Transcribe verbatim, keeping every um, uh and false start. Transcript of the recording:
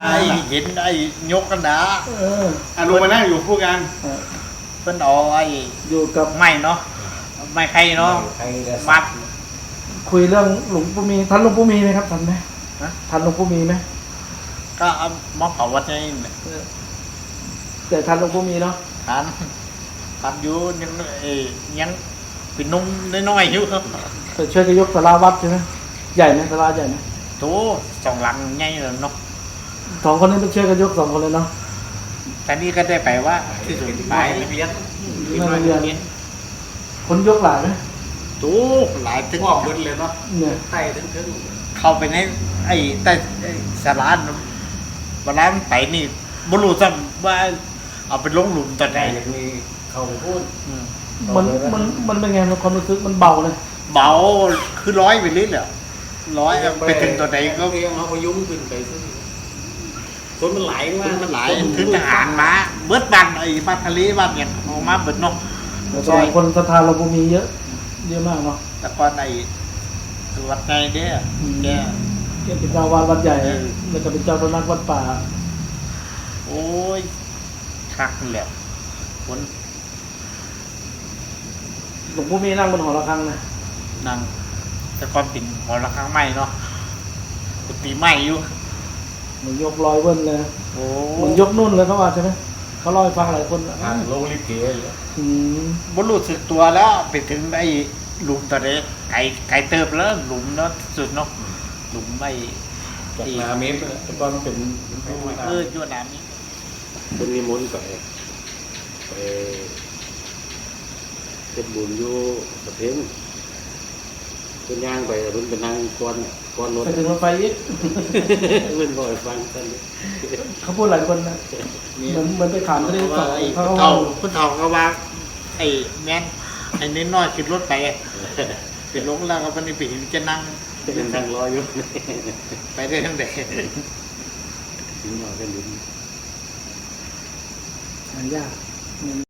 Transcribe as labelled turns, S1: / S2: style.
S1: ไอ้เห็นไอ้ยกกันดา
S2: เออ
S3: อ่ะลุงมานั่งอยู่คู่กัน
S2: เออ
S1: เพิ่นเอาไอ้
S2: อยู่กับ
S1: ไม้เนาะไม้ไข่เนาะมัด
S2: คุยเรื่องหลวงปู่มีทันหลวงปู่มีไหมครับทันไหม
S1: ฮะ
S2: ทันหลวงปู่มีไหม
S1: ก็เอามาเผาวัดนี่
S2: เออแต่ทันหลวงปู่มีเนาะ
S1: ทานทานอยู่ยังเอ้ยังเป็นนุ่มน้อยๆอยู่ครับ
S2: แต่ช่วยกันยกศาลาวัดใช่ไหมใหญ่ไหมศาลาใหญ่ไหม
S1: โถสองหลังใหญ่เลยเนาะ
S2: สองคนนี้เป็นช่วยกันยกสองคนเลยเนาะ
S1: แต่นี่ก็ได้ไปว่าที่สุดไปเรียน
S2: ที่มาเรียนคนยกหลายไหม
S1: โถหลายถึง
S3: งอกเบิดเลยเนาะ
S2: เนี่ย
S3: ไต่ถึงถึง
S1: เข้าไปในไอ้ใต้ไอ้สาราเวลามันไปนี่บ่รู้ซ้ำว่าเอาไปลงหลุมตอนไหน
S3: อย่างนี้เขาพูด
S1: อืม
S2: มันมันมันเป็นไงมันความรู้สึกมันเบาเลย
S1: เบาคือร้อยไปเรื่อยเลยร้อยไปถึงตัวไหนก็
S3: เรียงเขาพยุงขึ้นไปซึ่งคนมันไหลมาก
S1: มันหลายถึงทหารมาเบิดบันไอ้บ้านทะเลบ้านเนี่ยออกมาเบิดเนาะ
S2: แล้วก็คนศรัทธาหลวงปู่มีเยอะเยอะมากเนาะ
S1: แต่ก่อนไอ้วัดไงเนี่ยเนี่ย
S2: เกี่ยวกับเจ้าวาดวัดใหญ่แล้วก็เป็นเจ้าสำนักวัดป่า
S1: โอ้ยคักแหละคน
S2: หลวงปู่มีนั่งบนหอระฆังนะ
S1: นั่งแต่ก่อนปิ่นหอระฆังใหม่เนาะกุฏิใหม่อยู่
S2: เหมือนยกลอยเวิ้นเลย
S1: โอ้
S2: เหมือนยกนุ่นเลยเขาว่าใช่ไหมเขาเล่าให้ฟังหลายคนอ่ะ
S3: ทางโลลิเกเลย
S2: อืม
S1: บรู้สึกตัวแล้วไปถึงไอ้หลุมตัวเด็กไก่ไก่เติบแล้วหลุมเนาะสุดเนาะหลุมไอ้
S3: จากนาเมตรแต่ก่อนมันเป็น
S1: เออยั่วน้ำนี้
S3: เป็นนิมนต์ไปไปเป็นบุญอยู่ประเทศเป็นย่างไปรุ่นเป็นนางก้อนก้อนรถ
S2: ไปถึงรถไฟอีก
S3: เป็นบ่อยฟังกัน
S2: เขาพูดหลายคนนะเหมือนเหมือนไปขามทะเลสอบ
S1: ไอ้
S2: เขา
S1: พุท
S2: ก็
S1: ธ
S2: ว่า
S1: เฒ่าพุทธเฒ่าก็ว่าไอ้แม่นไอ้น้อยๆขึ้นรถไปเป็นลงแล้วก็ปฏิปิจะนั่ง
S3: เป็นทางรออยู่
S1: ไปได้ทั้งแต่
S3: ถึงหน่อยก็ลุ้น
S2: หายาก